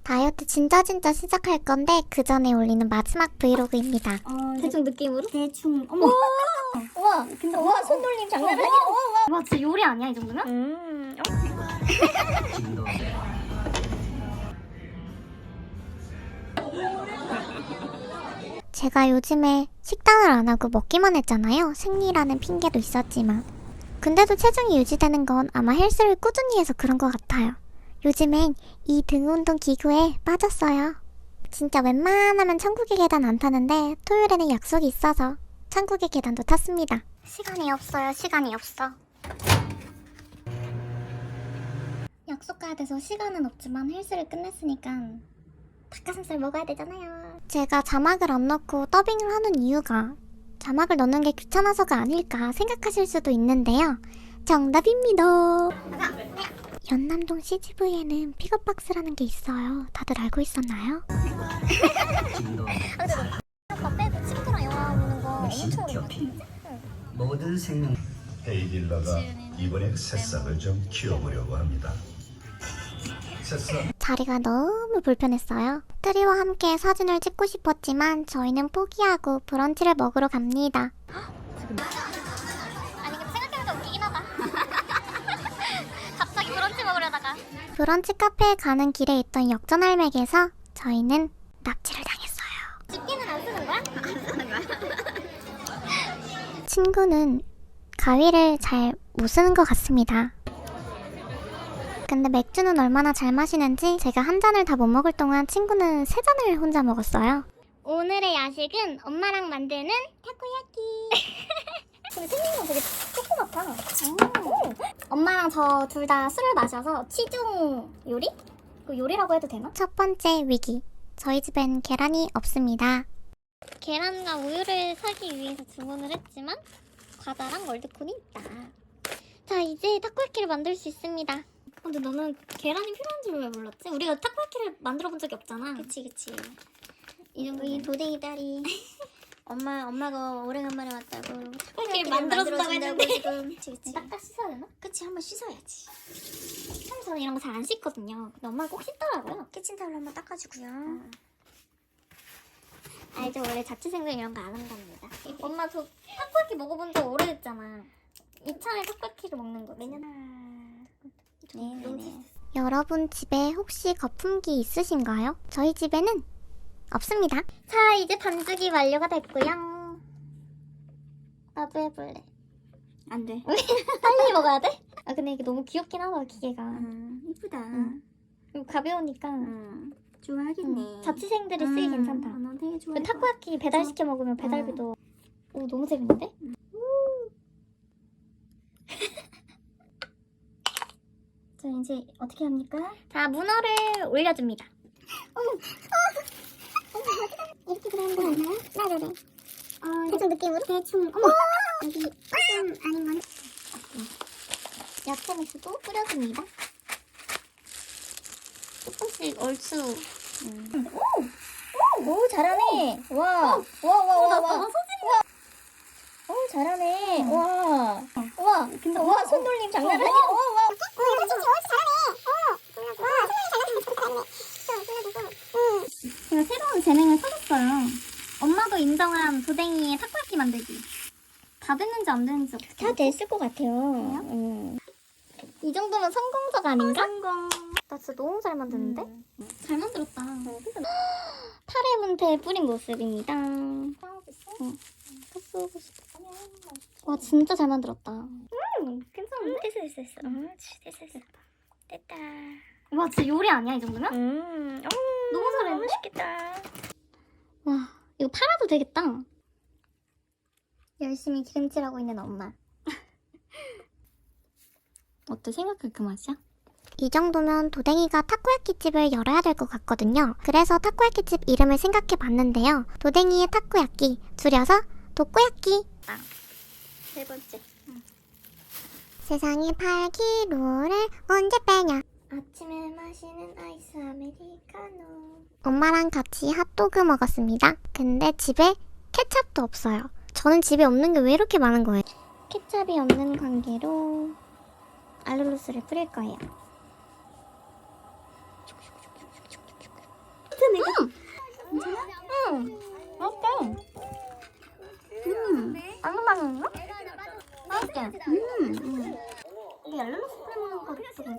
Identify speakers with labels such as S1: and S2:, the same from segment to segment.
S1: 다이어트 진짜 시작할 건데 그 전에 올리는 마지막 브이로그입니다.
S2: 대충 느낌으로?
S1: 대충. 어머.
S2: 와, 근데 와, 손놀림 장난 아니야. 와, 진짜 요리 아니야 이 정도면?
S1: 제가 요즘에 식단을 안 하고 먹기만 했잖아요. 생리라는 핑계도 있었지만. 근데도 체중이 유지되는 건 아마 헬스를 꾸준히 해서 그런 것 같아요. 요즘엔 이 등운동 기구에 빠졌어요. 진짜 웬만하면 천국의 계단 안 타는데 토요일에는 약속이 있어서 천국의 계단도 탔습니다. 시간이 없어요. 시간이 없어. 약속 가야 돼서 시간은 없지만 헬스를 끝냈으니까 닭가슴살 먹어야 되잖아요. 제가 자막을 안 넣고 더빙을 하는 이유가 자막을 넣는 게 귀찮아서가 아닐까 생각하실 수도 있는데요. 정답입니다. 연남동 CGV에는 픽업박스라는 게 있어요. 다들 알고 있었나요?
S2: 아까 빼고 친구랑 영화 보는 거 엄청
S3: 신격히 모든 생명 헤이딜러가 이번에 새싹을 좀 키워보려고 합니다. 새싹
S1: 자리가 너무 불편했어요. 트리와 함께 사진을 찍고 싶었지만 저희는 포기하고 브런치를 먹으러 갑니다.
S2: 아니 근데 생각해보니까 웃기긴 하다. 갑자기 브런치 먹으려다가
S1: 브런치 카페에 가는 길에 있던 역전할맥에서 저희는 납치를 당했어요.
S2: 집게는 안 쓰는 거야? 안 쓰는 거야?
S1: 친구는 가위를 잘 못 쓰는 것 같습니다. 근데 맥주는 얼마나 잘 마시는지 제가 한 잔을 다 못 먹을 동안 친구는 세 잔을 혼자 먹었어요. 오늘의 야식은 엄마랑 만드는 타코야키.
S2: 근데 생긴 건 되게 조그맣다.
S1: 엄마랑 저 둘 다 술을 마셔서
S2: 치중 요리? 그 요리라고 해도 되나?
S1: 첫 번째 위기. 저희 집엔 계란이 없습니다. 계란과 우유를 사기 위해서 주문을 했지만 과자랑 월드콘이 있다. 자, 이제 타코야키를 만들 수 있습니다.
S2: 근데 너는 계란이 필요한 줄 왜 몰랐지? 우리가 타코야키를 만들어 본 적이 없잖아.
S1: 그치. 이 정도는 도댕이 딸이 엄마가 오래간만에 왔다고
S2: 타코야키를 만들어준다고 했는데
S1: 지금. 그치.
S2: 닦아 씻어야 되나?
S1: 그치, 한번 씻어야지.
S2: 사실 저는 이런 거 잘 안 씻거든요. 근데 엄마가 꼭 씻더라고요.
S1: 키친타올로 한번 닦아주고요.
S2: 알죠? 원래 자취생들 이런 거 안 한답니다. 엄마 저 타코야키 먹어본 지 오래됐잖아. 이참에 타코야키를 먹는 거. 매년
S1: 네네네. 여러분 집에 혹시 거품기 있으신가요? 저희 집에는 없습니다. 자, 이제 반죽이 완료가 됐고요. 나도 해볼래.
S2: 안 돼.
S1: 빨리 먹어야 돼? 아, 근데 이게 너무 귀엽긴 하다, 기계가.
S2: 이쁘다.
S1: 그리고 가벼우니까
S2: 좋아하겠네.
S1: 자취생들이 쓰기 괜찮다.
S2: 넌 되게 좋아.
S1: 그 타코야키 배달시켜 먹으면 배달비도 오, 너무 재밌는데?
S2: 자 이제 어떻게 합니까?
S1: 자, 문어를 올려줍니다.
S2: 이렇게 그리는 거 아니야? 네네네.
S1: 대충 느낌으로?
S2: 대충. 어머. 여기 좀 아닌 건.
S1: 야채 믹스도 뿌려줍니다. 조금씩 얼추.
S2: 오 잘하네. 와. 소진이. 오 잘하네. 와. 와. 근데 와 손놀림 장난 아니야. 와.
S1: 제가 새로운 재능을 찾았어요. 엄마도 인정한 도댕이의 타코야키 만들기. 다 됐는지 안 됐는지 어떻게
S2: 다 됐을 것 같아요.
S1: 이 정도면 성공적 아닌가?
S2: 성공.
S1: 나 진짜 너무 잘 만드는데? 잘 만들었다.
S2: 그러니까
S1: 타레 문태 뿌린 모습입니다. 와, 진짜 잘 만들었다.
S2: 괜찮은데? 됐어. 됐다.
S1: 와, 진짜 요리 아니야, 이 정도면?
S2: 너무 잘했네. 맛있겠다.
S1: 와, 이거 팔아도 되겠다. 열심히 기름칠하고 있는 엄마. 어때? 생각할 그 맛이야? 이 정도면 도댕이가 타코야키 집을 열어야 될 것 같거든요. 그래서 타코야키 집 이름을 생각해 봤는데요. 도댕이의 타코야키, 줄여서 도코야키.
S2: 세 번째.
S1: 세상에 8kg를 언제 빼냐?
S2: 아침에 마시는 아이스 아메리카노.
S1: 엄마랑 같이 핫도그 먹었습니다. 근데 집에 케찹도 없어요. 저는 집에 없는 게 왜 이렇게 많은 거예요? 케찹이 없는 관계로 알룰로스를 뿌릴 거예요.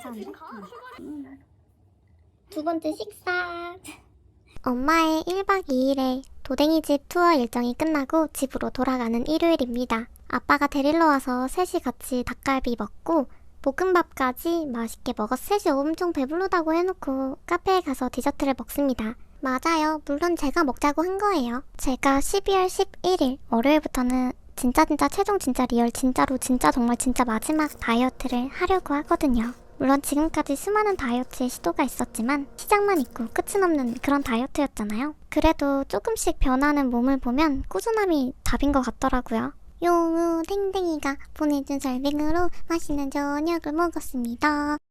S2: 두 번째 식사.
S1: 엄마의 1박 2일의 도댕이집 투어 일정이 끝나고 집으로 돌아가는 일요일입니다. 아빠가 데리러 와서 셋이 같이 닭갈비 먹고 볶음밥까지 맛있게 먹어서 셋이 엄청 배부르다고 해놓고 카페에 가서 디저트를 먹습니다. 맞아요. 물론 제가 먹자고 한 거예요. 제가 12월 11일 월요일부터는 진짜 최종 진짜 리얼 진짜로 진짜 정말 진짜 마지막 다이어트를 하려고 하거든요. 물론 지금까지 수많은 다이어트의 시도가 있었지만 시작만 있고 끝은 없는 그런 다이어트였잖아요. 그래도 조금씩 변하는 몸을 보면 꾸준함이 답인 것 같더라고요. 용우 탱탱이가 보내준 설빙으로 맛있는 저녁을 먹었습니다.